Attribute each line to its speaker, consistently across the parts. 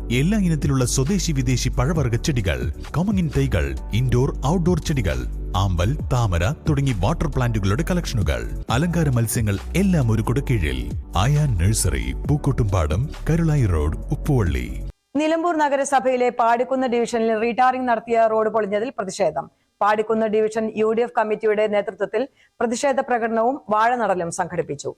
Speaker 1: എല്ലാ ഇനത്തിലുള്ള സ്വദേശി വിദേശി പഴവർഗ്ഗ ചെടികൾ, കമുങ്ങിൻ തൈകൾ, ഇൻഡോർ ഔട്ട്ഡോർ ചെടികൾ, ആമ്പൽ, താമര തുടങ്ങി വാട്ടർ പ്ലാന്റുകളുടെ കളക്ഷനുകൾ, അലങ്കാര മത്സ്യങ്ങൾ എല്ലാം ഒരു കുടക്കീഴിൽ. Ayan nursery, Pookkottumpadam, Karulayi road, Uppuvalli.
Speaker 2: നിലമ്പൂർ നഗരസഭയിലെ പാടിക്കുന്ന് ഡിവിഷനിൽ റീടാറിംഗ് നടത്തിയ റോഡ് പൊളിഞ്ഞതിൽ പ്രതിഷേധം. പാടിക്കുന്ന് ഡിവിഷൻ UDF കമ്മിറ്റിയുടെ നേതൃത്വത്തിൽ പ്രതിഷേധ പ്രകടനവും വാഴനടലും സംഘടിപ്പിച്ചു.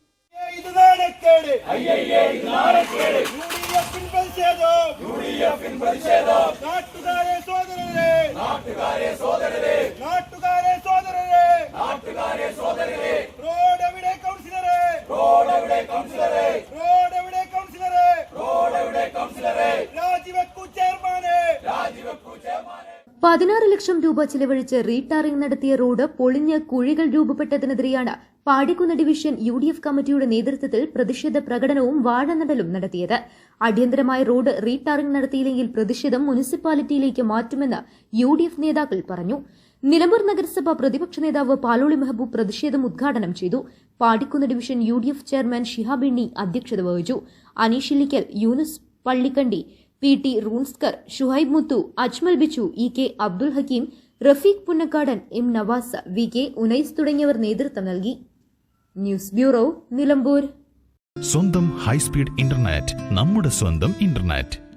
Speaker 3: ₹16 ലക്ഷം ചിലവഴിച്ച് റീടാറിംഗ് നടത്തിയ റോഡ് പൊളിഞ്ഞ് കുഴികൾ രൂപപ്പെട്ടതിനെതിരെയാണ് പാടിക്കുന്ന് ഡിവിഷൻ UDF കമ്മിറ്റിയുടെ നേതൃത്വത്തിൽ പ്രതിഷേധ പ്രകടനവും വാഴനടലും നടത്തിയത്. അടിയന്തരമായി റോഡ് റീടാറിംഗ് നടത്തിയില്ലെങ്കിൽ പ്രതിഷേധം മുനിസിപ്പാലിറ്റിയിലേക്ക് മാറ്റുമെന്ന് UDF നേതാക്കൾ പറഞ്ഞു. നിലമ്പൂർ നഗരസഭ പ്രതിപക്ഷ നേതാവ് പാലോളി മെഹബൂബ് പ്രതിഷേധം ഉദ്ഘാടനം ചെയ്തു. പാടിക്കുന്ന് division UDF chairman Shihab Inni അധ്യക്ഷത വഹിച്ചു. അനീഷ് ഇല്ലിക്കൽ, യൂനുസ് പള്ളിക്കണ്ടി, PT റൂൺസ്കർ, ഷുഹൈബ് മുത്തു, Ajmal Bichu, EK Abdul Hakeem, Rafeeq Punnakkadan, M Nawaz, VK Unais തുടങ്ങിയവർ നേതൃത്വം നൽകി. News bureau, Nilambur.
Speaker 1: സ്വന്തം ഹൈസ്പീഡ് ഇന്റർനെറ്റ്, നമ്മുടെ സ്വന്തം ഇന്റർനെറ്റ്.